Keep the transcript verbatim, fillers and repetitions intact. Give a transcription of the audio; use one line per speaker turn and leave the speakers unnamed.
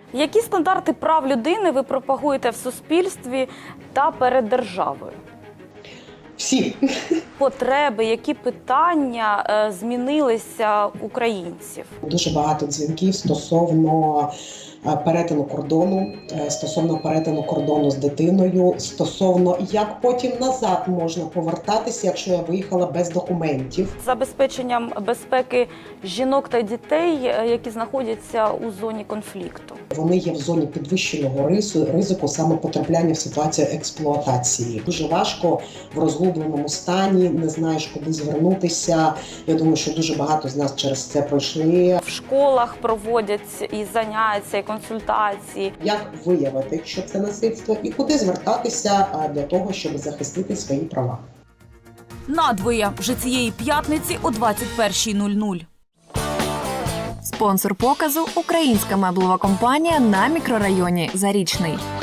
Які стандарти прав людини ви пропагуєте в суспільстві та перед державою?
Всі.
Потреби, які питання е, змінилися в українців?
Дуже багато дзвінків стосовно е, перетину кордону, е, стосовно перетину кордону з дитиною, стосовно як потім назад можна повертатися, якщо я виїхала без документів.
Забезпеченням безпеки жінок та дітей, е, які знаходяться у зоні конфлікту.
Вони є в зоні підвищеного рису, ризику саме потрапляння в ситуацію експлуатації. Дуже важко в розгубленому стані, не знаєш, куди звернутися. Я думаю, що дуже багато з нас через це пройшли.
В школах проводять і заняття, і консультації.
Як виявити, що це насильство, і куди звертатися а, для того, щоб захистити свої права.
Надвоє вже цієї п'ятниці о двадцять першій нуль нуль.
Спонсор показу – українська меблова компанія на мікрорайоні Зарічний.